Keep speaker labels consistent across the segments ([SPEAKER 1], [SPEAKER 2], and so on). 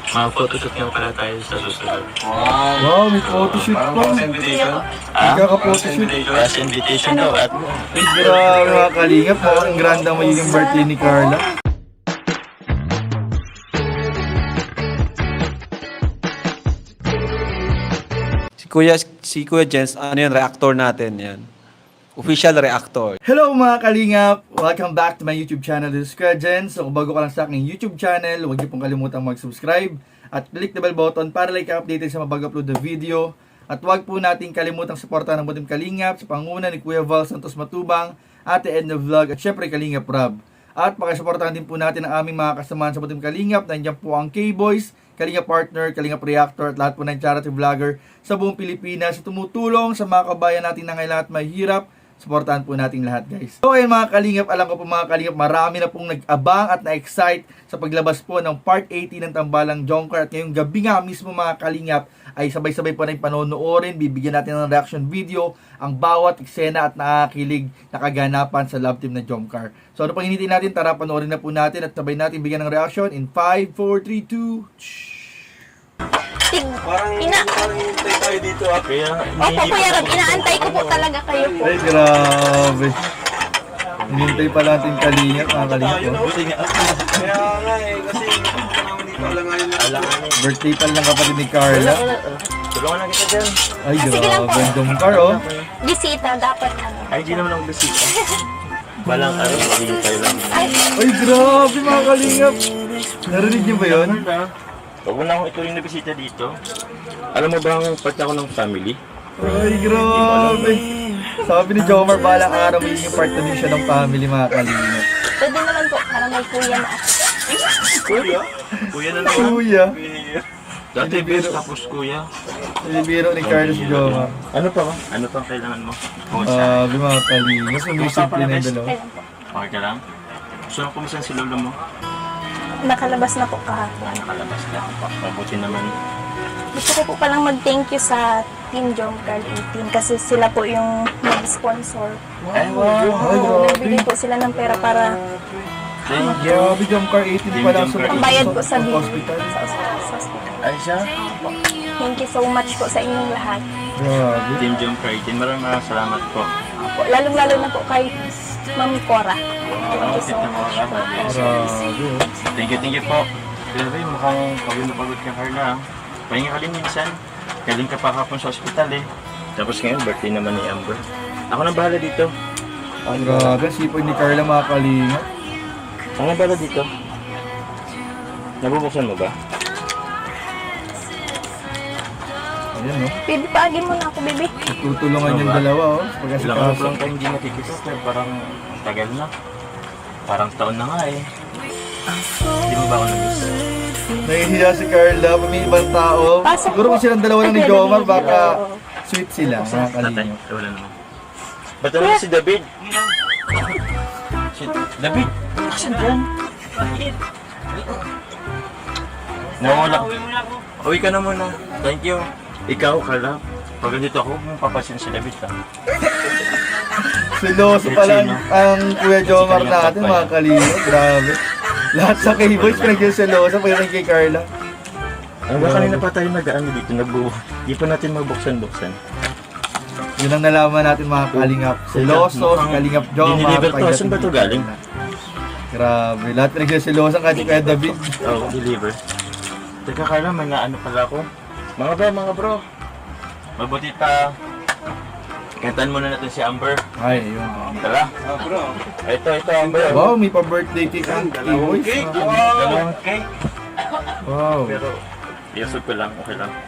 [SPEAKER 1] Mag-photoshoot nga pala tayo sa susunod.
[SPEAKER 2] Wow, may photoshoot pa. Magkaka-photoshoot.
[SPEAKER 1] As invitation daw at
[SPEAKER 2] Grabe mga kalingap, mukhang grande ang magiging birthday ni Carla.
[SPEAKER 3] Si Kuya Jens, ano yan, reactor natin yan. Official reactor.
[SPEAKER 2] Hello mga kalingap! Welcome back to my YouTube channel. This is Kuya Jens. So kung bago ka lang sa aking YouTube channel, huwag niyo pong kalimutang mag-subscribe at click the bell button para like updated sa mga bago-upload na video. At huwag po natin kalimutang suportahan ng Butim Kalingap sa panguna ni Kuya Val Santos Matubang, Ate Edna Vlog at syempre Kalingap Rob. At pakisuportahan din po natin ang aming mga kasamahan sa Butim Kalingap. Nandiyan po ang K-Boys, Kalingap Partner, Kalingap Reactor at lahat po ng charity vlogger sa buong Pilipinas na tumutulong sa mga kabayan natin na ngayon at mahirap. Suportahan po natin lahat, guys. So ayun mga kalingap, alam ko po mga kalingap, marami na pong nag-abang at na-excite sa paglabas po ng Part 80 ng Tambalang Jongkar. At ngayong gabi nga mismo mga kalingap ay sabay-sabay po na yung panonoorin. Bibigyan natin ng reaction video ang bawat eksena at nakakilig na kaganapan sa love team na Jongkar. So ano pang hinihintay natin? Tara, panoorin na po natin at sabay natin bigyan ng reaction in 5, 4, 3, 2...
[SPEAKER 1] parang hintay tayo dito ah. Kaya
[SPEAKER 4] Opo, Kuya Rob, inaantay ko po talaga kayo po.
[SPEAKER 2] Ay, grabe. Hinintay pa natin kalingap, mga kalingap. Oh.
[SPEAKER 1] buti nga. Kaya nga eh, kasi naman dito alanganin na.
[SPEAKER 2] Birthday pa lang kapatid ni Carla.
[SPEAKER 1] Tulungan na kita dyan.
[SPEAKER 2] Ay,
[SPEAKER 4] Sige lang
[SPEAKER 2] grabe.
[SPEAKER 4] po.
[SPEAKER 2] Ang Jongkar, oh.
[SPEAKER 4] Bisita, dapat ano.
[SPEAKER 1] Ay, di naman ako bisita. Balang araw, magiging tayo lang.
[SPEAKER 2] Ay, grabe mga kalingap. Narinig niyo ba yun?
[SPEAKER 1] Huwag mo na akong ituloy na bisita dito. Alam mo ba ang part ako ng family?
[SPEAKER 2] Ay, grabe. Sabi ni Jomar, balang araw magiging part na din siya ng family, mga kalingap.
[SPEAKER 4] Pwede naman po, para may kuya na ako.
[SPEAKER 1] Kuya? Kuya na naman.
[SPEAKER 2] Kuya.
[SPEAKER 1] Dati best tapos kuya.
[SPEAKER 2] Nilibiro ni Carlos Jomar.
[SPEAKER 1] Ano pa ba? Ano pa ang kailangan mo? Kumusta?
[SPEAKER 2] Sabi mga kalingap, sumisip din ang dalawa.
[SPEAKER 4] Kailan po?
[SPEAKER 1] Okay ka lang? Gusto mo kumusta si lolo mo?
[SPEAKER 4] Nakalabas na po kahapon.
[SPEAKER 1] Nakalabas na. Mabuti naman.
[SPEAKER 4] Gusto ko po palang mag-thank you sa Team Jongkar 18 kasi sila po yung nag-sponsor.
[SPEAKER 1] Ay, wow.
[SPEAKER 2] Ay, grabe.
[SPEAKER 4] Nagbigay po sila ng pera para
[SPEAKER 1] Thank you.
[SPEAKER 2] Grabe, Jomcar 18 pa lang sa
[SPEAKER 4] bayad po sa bill
[SPEAKER 2] hospital.
[SPEAKER 4] sa hospital.
[SPEAKER 1] Ay, siya?
[SPEAKER 4] Thank you so much po sa inyong lahat.
[SPEAKER 2] Grabe.
[SPEAKER 1] Team Jump Crichton. Maraming salamat po.
[SPEAKER 4] Po, lalong-lalo na po kay Ma'am Cora. Thank you so much po.
[SPEAKER 2] Grabe.
[SPEAKER 1] Thank you po. Grabe, mukhang pagod na pagod ka, Carla. Pahinga ka din minsan. Galing ka pa kapon sa ospital eh. Tapos ngayon, birthday naman ni Amber. Ako na bahala dito.
[SPEAKER 2] Grabe, sipag ni Carla mga kalingap.
[SPEAKER 1] Ako na bahala dito. Nabubuksan mo ba?
[SPEAKER 2] Ayan, no?
[SPEAKER 4] Baby, paagin mo na ako, baby.
[SPEAKER 2] Tutulungan yung dalawa, oh.
[SPEAKER 1] Ilang araw
[SPEAKER 2] Pagkasikaso.
[SPEAKER 1] lang tayo hindi nakikita. Pero parang tagal na. Parang taon na nga eh. Hindi mo ba ako nag-miss?
[SPEAKER 2] Nahihiya si Carla, pag may ibang tao.
[SPEAKER 4] Pasok
[SPEAKER 2] Siguro
[SPEAKER 4] po.
[SPEAKER 2] kung silang dalawa lang ni
[SPEAKER 4] Ay,
[SPEAKER 2] Jomar,
[SPEAKER 4] baby.
[SPEAKER 2] baka sweet sila, mga
[SPEAKER 1] Tatay,
[SPEAKER 2] kalingap.
[SPEAKER 1] wala naman. Ba't naman si David? Si David? Asan dyan? Nawala. Uwi ka na muna. Thank you. Ikaw, Carla. Pag nandito ako, papasin si David ka.
[SPEAKER 2] Siloso pala ang Kuya Jomar natin, mga kalingap. Grabe. Lahat sa K-Boys pinag-siloso, pagdating kay Carla.
[SPEAKER 1] Ang ba kanina pa tayo nag-ano dito, nagbuo. Di pa natin mabuksan-buksan.
[SPEAKER 2] Yun ang nalaman natin mga kalingap. Siloso, si Kalingap Jomar.
[SPEAKER 1] Dinilever to.
[SPEAKER 2] pagdating
[SPEAKER 1] Saan ba to
[SPEAKER 2] kay
[SPEAKER 1] galing?
[SPEAKER 2] Carla. Grabe. Lahat pinag-siloso kay Kuya David.
[SPEAKER 1] Oo, deliver. Teka Carla, may naano pala ako. Mga bro. Mabuti pa. Kantaan muna natin si Amber.
[SPEAKER 2] Ay, yun.
[SPEAKER 1] Tara. Bro. Ito, Amber.
[SPEAKER 2] Wow, may pa-birthday cake ang K-Boys.
[SPEAKER 1] Dalawang cake.
[SPEAKER 2] Wow.
[SPEAKER 1] Pero, iusog ko lang. Okay lang.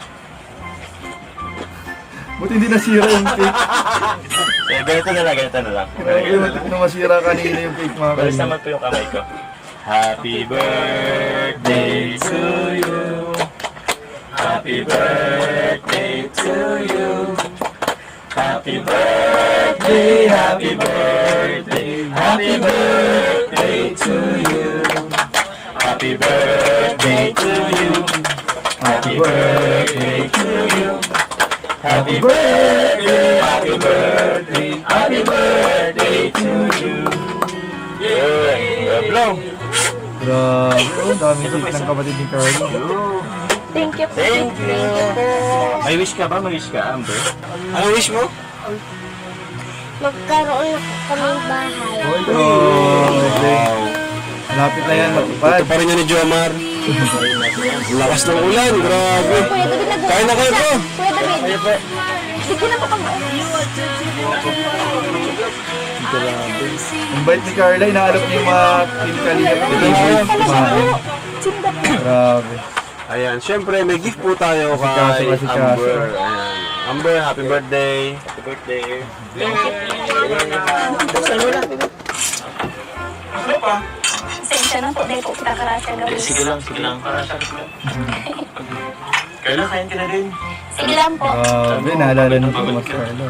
[SPEAKER 2] Buti hindi nasira yung cake.
[SPEAKER 1] Ganito na lang.
[SPEAKER 2] Grabe, buti na masira kanina yung cake mga
[SPEAKER 1] Balis
[SPEAKER 2] kalingap.
[SPEAKER 1] naman po yung kamay ko. Happy birthday to you. Happy birthday to you. Happy birthday, happy birthday, happy birthday to you. Happy birthday to you. Happy birthday to you. Happy birthday, happy birthday, happy birthday to you. Yeah, blow.
[SPEAKER 2] Grabe, oh, daming cake ng kapatid ni Carla.
[SPEAKER 4] Thank you po.
[SPEAKER 1] Thank you.
[SPEAKER 4] po.
[SPEAKER 1] May wish ka ba? May wish ka, Amber?
[SPEAKER 3] Ano wish mo?
[SPEAKER 5] Magkaroon na po kaming bahay.
[SPEAKER 2] Oh, grabe. Malapit na yan matupad.
[SPEAKER 3] Ito pa rin yan ni Jomar. Lakas ng ulan, grabe.
[SPEAKER 4] Kuya David, nag-
[SPEAKER 3] Kain na kayo po.
[SPEAKER 4] Kuya David. Sige na po kami.
[SPEAKER 2] Ang bait ni Carla, inaalap niya yung mga pinakalingat na favorite kumain.
[SPEAKER 4] Sinda po.
[SPEAKER 2] Grabe.
[SPEAKER 3] Ayan, syempre may gift po tayo
[SPEAKER 2] Asikaso,
[SPEAKER 3] kay
[SPEAKER 2] asikaso.
[SPEAKER 3] Amber. Ayan. Amber, happy birthday.
[SPEAKER 1] Happy birthday.
[SPEAKER 4] Sensya na po. Dahil po kita karasya gawin.
[SPEAKER 1] Sige lang, sige lang. Para sa akin. Carla, kain ka na rin.
[SPEAKER 4] Sige lang po.
[SPEAKER 2] Grabe, naalala niyo po mas Carla.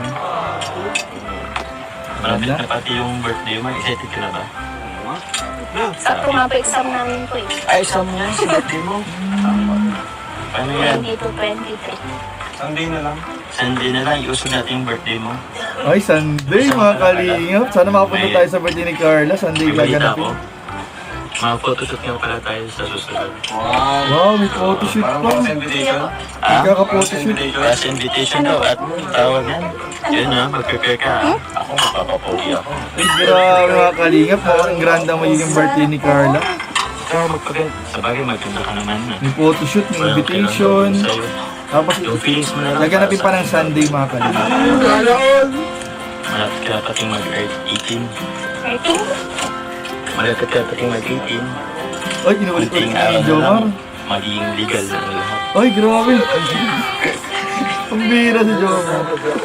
[SPEAKER 1] Malapit na pati yung birthday mo. Excited ka na ba?
[SPEAKER 4] Sakto nga po exam namin po eh.
[SPEAKER 1] Ay, isang mo yan sa birthday mo. Paano yan?
[SPEAKER 4] 20 to 23.
[SPEAKER 3] Sunday na lang.
[SPEAKER 1] Sunday na lang, iuso natin yung birthday mo.
[SPEAKER 2] Ay, Sunday mga kalingap. Sana makapunta tayo sa birthday ni Carla. Sunday
[SPEAKER 1] May balita ko.
[SPEAKER 2] gaganapin.
[SPEAKER 1] Mga photoshoot nga pala tayo sa susunod.
[SPEAKER 2] Wow, may photoshoot pa.
[SPEAKER 1] Ah?
[SPEAKER 2] Kaka-photoshoot.
[SPEAKER 1] Last invitation daw at tawag yan. Yun ha, mag-prepare ka. Ako, mapapapogi ako.
[SPEAKER 2] Ay, grabe mga kalingap. Mukhang granda magiging birthday ni Carla.
[SPEAKER 1] Ikaw, magpaganda. Sa bagay, magpaganda ka naman.
[SPEAKER 2] May photoshoot, may invitation. Tapos,
[SPEAKER 1] Yung feelings mo na lang.
[SPEAKER 2] gaganapin pa ng Sunday mga kalingap.
[SPEAKER 1] Malapit ka pating mag-earth 18.
[SPEAKER 4] 13?
[SPEAKER 1] Malapit ka pating mag-18.
[SPEAKER 2] Ay, inuulit
[SPEAKER 1] Kunting
[SPEAKER 2] ni
[SPEAKER 1] araw na lang,
[SPEAKER 2] Jomar.
[SPEAKER 1] magiging legal na ang lahat.
[SPEAKER 2] Ay, grabe. Ang bira si Jomar.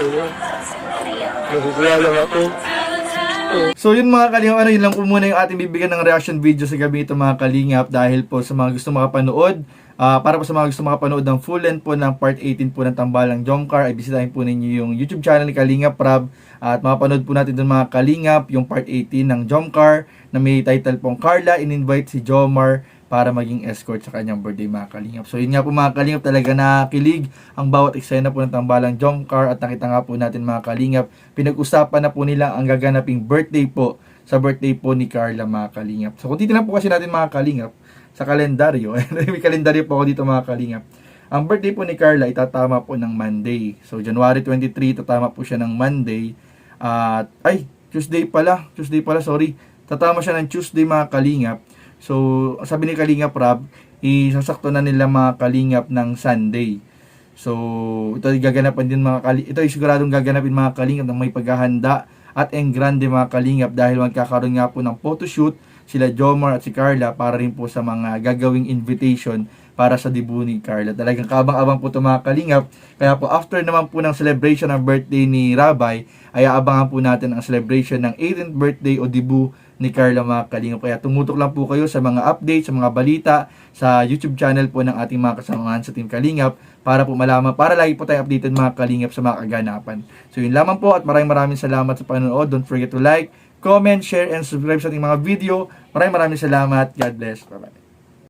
[SPEAKER 2] So yun mga kalingap, yun lang po muna yung ating bibigyan ng reaction video sa gabi ito mga kalingap dahil po sa mga gusto makapanood, para po sa mga gusto makapanood ng full length po ng part 18 po ng Tambalang Jomcar, ay bisitahin po ninyo yung YouTube channel ni Kalingap Rab at mapanood po natin dun mga kalingap yung part 18 ng Jomcar na may title pong Carla in-invite si Jomar para maging escort sa kanyang birthday mga kalingap. So yun nga po mga kalingap, talaga nakilig ang bawat eksena po ng Tambalang Jomcar at nakita nga po natin mga kalingap, pinag-usapan na po nila ang gaganaping birthday po sa birthday po ni Carla mga kalingap. So kung titignan po kasi natin mga kalingap sa kalendaryo, may kalendaryo po ako dito mga kalingap. Ang birthday po ni Carla itatama po ng Monday. So January 23 tatama po siya ng Monday at Tuesday pala, sorry. Tatama siya ng Tuesday mga kalingap. So, sabi ni Kalingap Rab, isasakto na nila mga kalingap ng Sunday. So, ito gaganapan din ito ay siguradong gaganapin mga kalingap ng may paghahanda at en grande mga kalingap dahil magkakaroon nga po ng photoshoot sila Jomar at si Carla para rin po sa mga gagawing invitation para sa debut ni Carla. Talagang kabang-abang po ito mga kalingap. Kaya po after naman po ng celebration ng birthday ni Rabay, ay aabangan po natin ang celebration ng 18th birthday o debut ni Carla mga kalingap. Kaya tumutok lang po kayo sa mga updates, sa mga balita, sa YouTube channel po ng ating mga kasamahan sa Team Kalingap para po malaman, para lagi po tayo updated mga kalingap sa mga kaganapan. So yun lamang po at maraming salamat sa panonood. Don't forget to like, comment, share, and subscribe sa ating mga video. Maraming salamat. God bless. Bye-bye.